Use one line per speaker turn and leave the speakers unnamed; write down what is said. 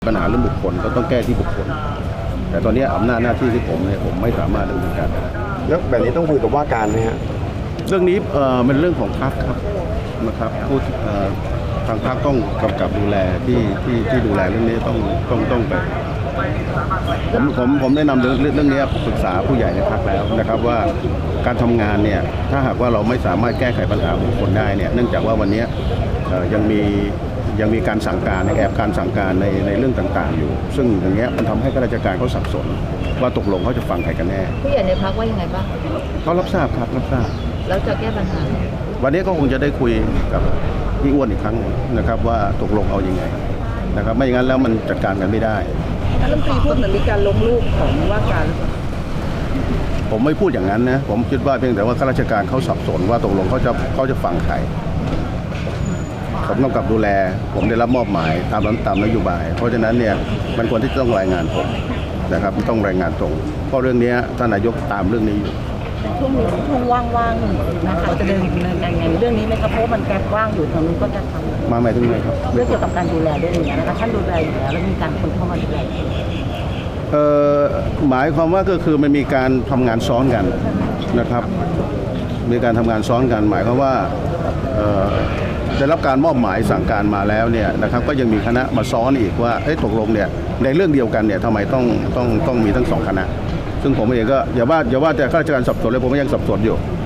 ปัญหาเรื่องบุคคลก็ต้องแก้ที่บุคคลแต่ตอนนี้อำนาจหน้าที่ที่ผมไม่สามารถดำเนินการได้
แล้วแบบนี้ต้องคุยกับว่าการไหมฮะ
เรื่องนี้เป็นเรื่องของพรรคครับนะครับผู้ทางพรรคต้องกำกับดูแลที่ดูแลเรื่องนี้ต้องไปผมได้นำเรื่องนี้ปรึกษาผู้ใหญ่ในพรรคแล้วนะครับว่าการทำงานเนี่ยถ้าหากว่าเราไม่สามารถแก้ไขปัญหาบุคคลได้เนี่ยเนื่องจากว่าวันนี้ยังมีการสั่งการแอบการสั่งการในเรื่องต่างๆอยู่ซึ่งอย่างเงี้ยมันทำให้ข้าราชการเขาสับสนว่าตกลงเขาจะฟังใครกันแน่
ผู้ใหญ่ในพรรคว่ายังไงบ้าง
เขารับทราบครับรับทราบ
แล้วจะแก้ปัญหา
วันนี้ก็คงจะได้คุยกับพี่อ้วนอีกครั้งนะครับว่าตกลงเอายังไงนะครับไม่อย่างนั้นแล้วมันจัดการกันไม่ได้
รัฐมนตรีพูดเหมือนมีการลงรูปของว่าการ
ผมไม่พูดอย่างนั้นนะผมคิดว่าเพียงแต่ว่าข้าราชการเขาสับสนว่าตกลงเขาจะฟังใครผมกำกับดูแลผมได้รับมอบหมายตามนโยบายเพราะฉะนั้นเนี่ยมันควรที่ต้องรายงานผมนะครับต้องรายงานตรงเพราะเรื่องนี้ท่านนายกตามเรื่องนี้อยู่
ช่วงนี้ช่วงว่างๆนะคะจะเดินยังไงเรื่องนี้ไหมครับเพราะมันแกว่างอยู่ทางนู้นก็จะทำ
มาหมายถึงไงครับ
เรื่องเกี่ยวกับการดูแลด้วยอย่างเงี้ยนะคะท่านดูแลอยู่แล้วแล้วมีการคนเข้ามาดูแล
หมายความว่าก็คือมันมีการทำงานซ้อนกันนะครับมีการทำงานซ้อนกันหมายความว่าได้รับการมอบหมายสั่งการมาแล้วเนี่ยนะครับก็ยังมีคณะมาซ้อนอีกว่าตกลงเนี่ยในเรื่องเดียวกันเนี่ยทำไมต้องมีทั้งสองคณะซึ่งผมเองก็อย่าว่าแต่ข้าราชการสับสนเลยผมก็ยังสับสนอยู่